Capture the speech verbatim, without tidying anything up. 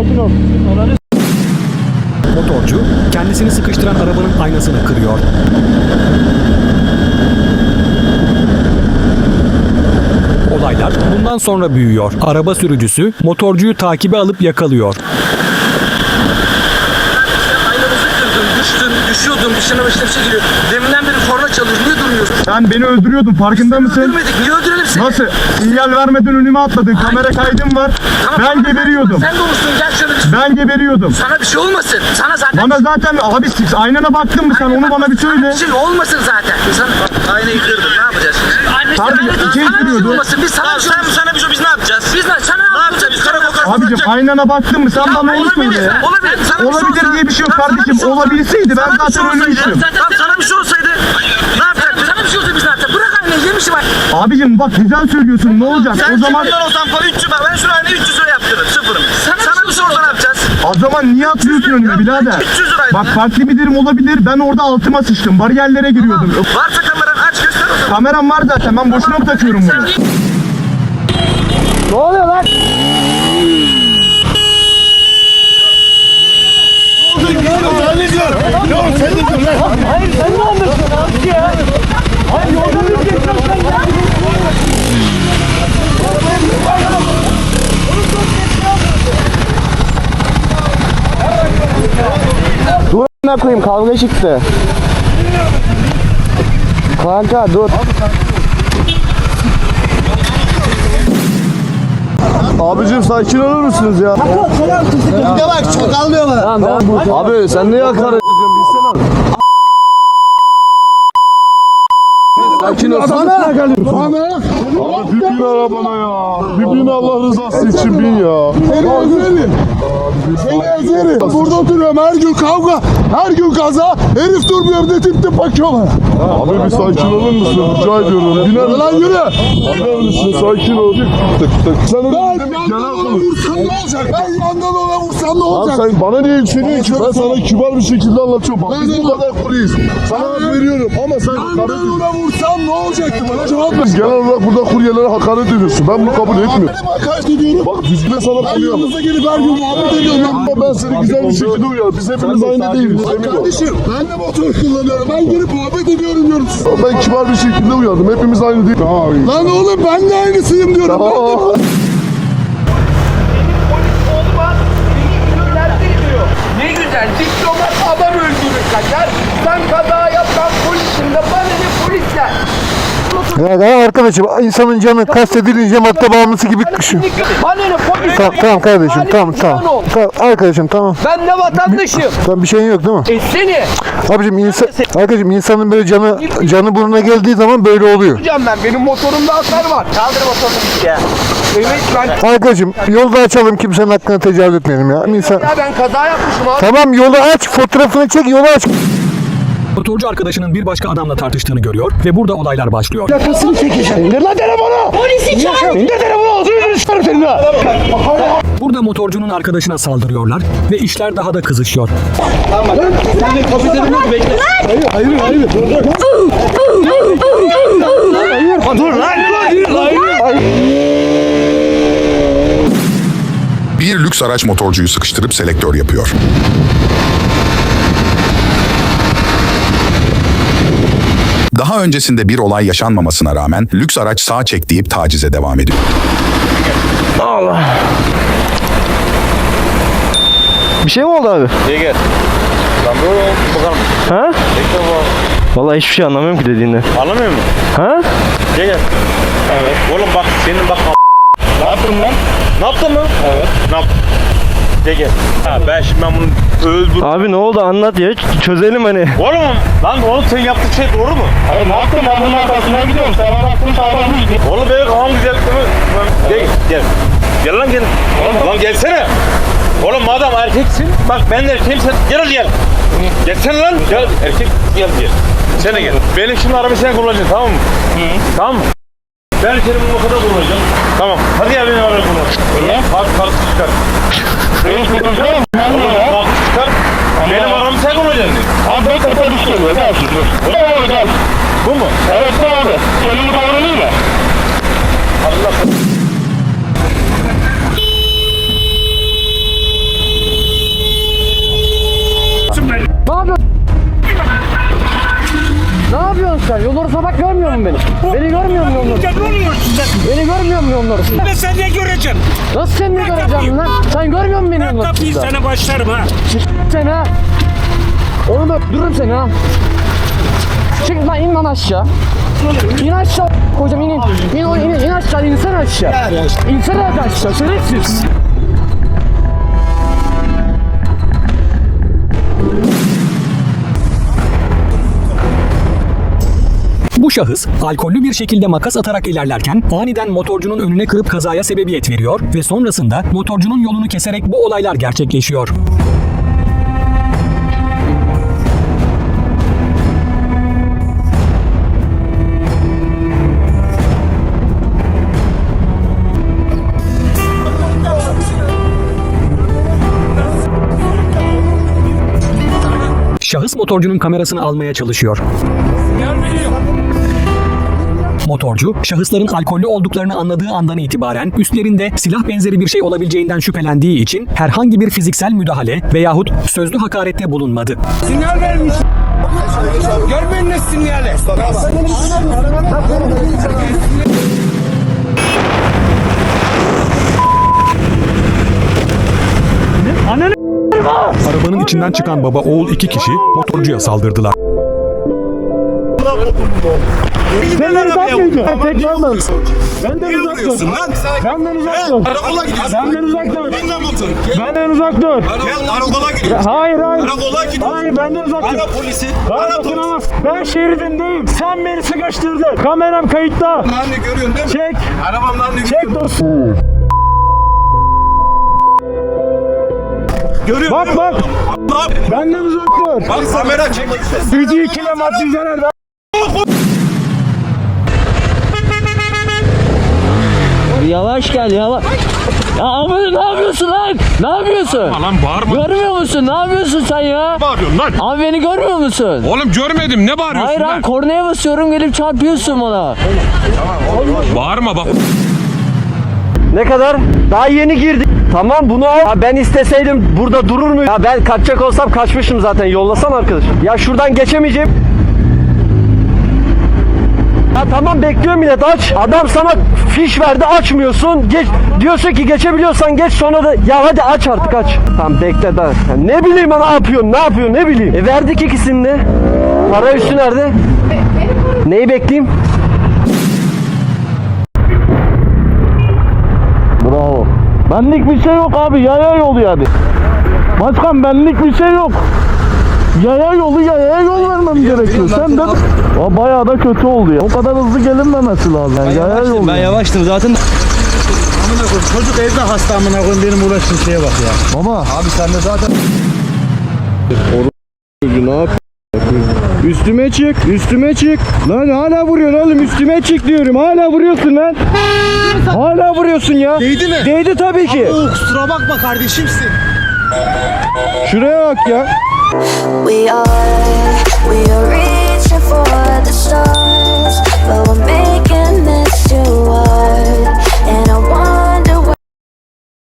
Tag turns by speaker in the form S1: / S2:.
S1: sakin ol.
S2: Motorcu kendisini sıkıştıran arabanın aynasını kırıyor. Olaylar bundan sonra büyüyor. Araba sürücüsü motorcuyu takibe alıp yakalıyor.
S3: Düştün, düşüyordun, dışına başına bir şey geliyor. Deminden beri korna çalıyor, niye durmuyorsun?
S1: Sen beni öldürüyordun, farkında mısın?
S3: Öldürmedik, niye öldürelim seni?
S1: Nasıl? Sinyal vermeden önüme atladın, kamera kaydım var.
S3: Tamam,
S1: Ben
S3: tamam,
S1: geberiyordum.
S3: Sen de olursun, gel şöyle bir...
S1: Ben geberiyordum.
S3: Sana bir şey olmasın, sana zaten...
S1: Bana zaten abi siz aynana baktın mı sen, onu bana bir söyle.
S3: Bir şey olmasın zaten. Sen aynayı kırdın, ne yapacağız?
S1: Kardeşim, içeri
S3: sana bir şey
S1: giriyordu.
S3: olmasın, biz sana bir şey olmasın. Sana bir şey, biz ne yapacağız? Biz ne, sana ne yapacağız? Biz karakol karşısına
S1: Abicim
S3: yapacağız.
S1: aynana baktın mı sen,
S3: Ya
S1: bana onu
S3: olabilir,
S1: söyle ya.
S3: olabilir. Sana bir şey
S1: Olabilir
S3: olsa-
S1: diye bir şey yok
S3: Tamam, sana bir
S1: kardeşim.
S3: şey olsa-
S1: Olabilseydi ben
S3: Sana bir şey
S1: zaten
S3: olsaydı-
S1: ölmüştüm.
S3: Tamam, sana bir şey olsaydı ne yapacaktık? Sana bir şey olsaydı biz ne yapacaktık? Bırak aynayı, yemişim bak.
S1: Abicim bak güzel söylüyorsun, ne olacak?
S3: Sen
S1: O zaman
S3: sıfırdan olsan falan üç yüz bak, ben şunu aynayı üç yüz lira yaptırdım, sıfırım. Sana, sana bir şey olsa ne yapacağız?
S1: o zaman niye atıyorsun önüme birader?
S3: üç yüz liraydı.
S1: Bak farklı bir dirim olabilir, ben orada altıma sıçtım, bariyerlere giriyordum.
S3: Varsa kameran aç, göster o zaman.
S1: Kameram var zaten, ben boşuna mı takıyorum bunu? Ne oluyor lan? Hayır sen ne anlatıyorsun abi ya? Hayır yolda bir geçiyorsan ya. Dur a**ına koyayım, kavga çıktı. Kanka dur.
S4: Abicim sakin olur musunuz ya?
S1: Ya bak çok almıyor bana.
S4: Abi sen niye hakaret ediyorsun bilsene. Sakin ol.
S1: Sana.
S4: Abi bir bin arabana ya. Bir bin Allah rızası için bin ya.
S5: Seni ezerim. Seni ezerim. Burada oturuyorum, her gün kavga, her gün kaza. Herif durmuyor, bir de tip tip bakıyor bana.
S4: Abi bir sakin olur musun? Rica ediyorum. Biner misin?
S5: Lan yürü.
S4: Biner misin? Sakin ol. Sen
S5: Ben
S4: öyle
S5: yandan ona vursam ne olacak? Ben yandan ona vursam ne
S4: Abi
S5: olacak?
S4: sen bana niye yükseliyorsun ki? Ben sana kibar bir şekilde anlatıyorum. Bak biz bu kadar kuruyuz. Sana hak veriyorum ama sen hakaret
S5: Ben
S4: ediyorsun.
S5: ona vursam ne olacaktı? Bana cevap ver.
S4: Genel olarak burada kuryelere hakaret ediyorsun. Ben bunu kabul etmiyorum.
S5: Benim hakaret ediyorum.
S4: Bak düzgün sana
S5: Ben
S4: koyuyorum.
S5: yanınıza gelip her gün muhabbet ediyorum.
S4: Ama ben seni güzel bir şekilde uyar. Biz hepimiz aynı değiliz.
S5: Bak kardeşim, ben de motor kullanıyorum. Ben gelip muhabbet ediyorum diyorum size.
S4: Ben kibar bir şekilde uyardım. Hepimiz aynı değil.
S5: Lan oğlum ben de aynısıyım diyorum. Ben de...
S3: Ne güzel, diplomat adam öldürür kaçar. Sen kaza yapsan polisin de bana ne polisler.
S6: Ya, ya arkadaşım insanın canı kastedilince madde bağımlısı gibi kışıyor.
S3: Bana ne polis?
S6: Tamam, tamam kardeşim tamam tamam. Tamam arkadaşım tamam.
S3: Ben de vatandaşım.
S6: Tamam bir şeyin yok değil mi?
S3: E seni.
S6: Abicim insan, arkadaşım insanın böyle canı canı burnuna geldiği zaman böyle oluyor.
S3: Hocam ben, benim motorumda hasar var. Kaldır motorunu ya. Evet ben.
S6: Arkadaşım yolda açalım, kimsenin hakkına tecavüz etmeyelim ya. İnsan...
S3: Ya ben kaza yapmışım abi.
S6: Tamam yolu aç, fotoğrafını çek, yolu aç.
S2: Motorcu arkadaşının bir başka adamla tartıştığını görüyor ve burada olaylar başlıyor.
S5: Yakasını çekeceğim. İndir lan telefonu. Polisi çağır. İndir telefonu. Ağzını yüzünü çıkarım senin ha.
S2: Burada motorcunun arkadaşına saldırıyorlar ve işler daha da kızışıyor.
S5: Hayır hayır. Dur dur. Dur lan.
S7: Bir lüks araç motorcuyu sıkıştırıp selektör yapıyor. Daha öncesinde bir olay yaşanmamasına rağmen lüks araç sağ çek deyip tacize devam ediyor.
S8: Bir şey mi oldu abi?
S9: Gel gel. Lan böyle bakalım.
S8: Ha?
S9: Bekle bu.
S8: Vallahi hiçbir şey anlamıyorum ki dediğinden.
S9: Anlamıyor musun?
S8: Ha?
S9: Gel gel. Evet. Oğlum bak senin bak. Ne yaptın lan? Ne yaptın mı? Evet. Ne yaptın? Gel gel. Ha ben şimdi ben bunu öldür.
S8: Abi ne oldu anlat ya, çözelim hani.
S9: Oğlum lan oğlum senin yaptığın şey doğru mu? Hayır ne yaptın, ben bunun arkasından gidiyorum. Sen bana baktın sağdan mı gidiyorsun? Oğlum benim kafam güzel değil mi? Gel gel. Gel lan gel. Oğlum lan gelsene. Oğlum madem erkeksin, bak ben de erkeğim, sen gel gel. Gelsene lan. Gel erkek gel gel. Sen de gel. Benim şimdi arabayı sen kullanacaksın, tamam mı? Hı. Tamam mı? Ben seni bu kadar kullanacağım. Tamam. Hadi gel benim arabayı kullan. Öyle? Kalk kalk çıkar. Benim kullanacağım. Kalk çıkar. Benim arabamı sen kullanacaksın. Abi ben kafa düşüyorum. Ne yapıyorsun? Bu mu? Evet abi. Kelimi davranıyor mu? Allah.
S1: sen? Yol orası bak, görmüyor musun beni? Beni görmüyor musun yol orası?
S9: Ne oluyorsun sen?
S1: Beni görmüyor musun yol orası?
S9: Ben seni ne göreceğim?
S1: Nasıl seni ne göreceğim lan? Sen görmüyor musun beni yol
S9: Ben kapıyı
S1: orasında?
S9: sana başlarım ha.
S1: Sen ha? Onu da öldürürüm seni ha. Çık lan, in lan aşağı. İn aşağı kocam, in in. İn, in, in, in aşağı, insene aşağı. İnsene aşağı, şerefsiz.
S2: Bu şahıs alkollü bir şekilde makas atarak ilerlerken aniden motorcunun önüne kırıp kazaya sebebiyet veriyor ve sonrasında motorcunun yolunu keserek bu olaylar gerçekleşiyor. Şahıs motorcunun kamerasını almaya çalışıyor. Motorcu, şahısların alkollü olduklarını anladığı andan itibaren üstlerinde silah benzeri bir şey olabileceğinden şüphelendiği için herhangi bir fiziksel müdahale veyahut sözlü hakarette bulunmadı.
S3: Sinyal vermiş. Görmeyin ne sinyali.
S2: Arabanın içinden çıkan baba oğul iki kişi motorcuya saldırdılar.
S1: Benden uzak mıydı? Tekrar mı? Benden uzak dur. Benden uzak dur.
S9: Karakola gidiyorsun.
S1: Benden uzak dur.
S9: Binle motor.
S1: Benden uzak dur.
S9: Gel karakola gidiyorsun.
S1: Hayır hayır.
S9: Karakola gidiyorsun.
S1: Hayır, benden uzak dur.
S9: Ara polisi.
S1: Bana
S9: Ara polisi.
S1: dokunamaz. Ben şeridindeyim. Sen beni sıkıştırdın. Kameram kayıtta.
S9: Anne görüyorsun değil mi?
S1: Çek.
S9: Arabamdan ne
S1: Çek dostum.
S9: görüyorsun?
S1: Bak bak.
S9: Bak.
S1: Benden uzak dur.
S9: Bak kamera çek.
S1: Gücü ikile maddi zarar. Yavaş gel yavaş. Ya abi ne yapıyorsun lan? Ne yapıyorsun?
S9: Lan bağırma.
S1: Görmüyor musun? Ne yapıyorsun sen ya?
S9: Bağırıyorsun lan.
S1: Abi beni görmüyor musun?
S9: Oğlum görmedim ne bağırıyorsun
S1: Hayır
S9: lan?
S1: abi, kornaya basıyorum, gelip çarpıyorsun bana.
S9: Bağırma bak.
S8: Ne kadar? Daha yeni girdik. Tamam bunu al. Ya ben isteseydim burada durur muyum? Ya ben kaçacak olsam kaçmışım zaten. Yollasan arkadaş. Ya şuradan geçemeyeceğim. Ya tamam bekliyorum millet, aç. Adam sana fiş verdi, açmıyorsun. Geç diyorsun ki geçebiliyorsan geç, sonra da ya hadi aç artık, aç. Tamam bekle daha. Ya ne bileyim ben, ne yapıyorsun? Ne yapıyorsun? Ne bileyim. E verdik ikisini de. Para üstü nerede? Neyi bekleyeyim?
S1: Bravo. Benlik bir şey yok abi, yaya yolu yani. Başkan benlik bir şey yok. Yaya yolu, yaya yol vermem gerekiyor. Sen de o bayağı da kötü oldu ya. O kadar hızlı gelinmemesi lazım. Yani yaya yolu.
S8: Ben yavaştım zaten.
S6: Amına koyayım, çocuk evde hasta, amına koyayım, benim uğraştığım şeye bak ya.
S1: Baba.
S6: Abi sen de zaten
S8: Ne yap? Üstüme çık, üstüme çık. Lan hala vuruyorsun oğlum, üstüme çık diyorum. Hala vuruyorsun lan. Hala vuruyorsun ya.
S6: değdi mi?
S8: Değdi tabii ki.
S6: Oo, kusura bakma kardeşimsin.
S8: Şuraya bak ya.
S10: We are, we are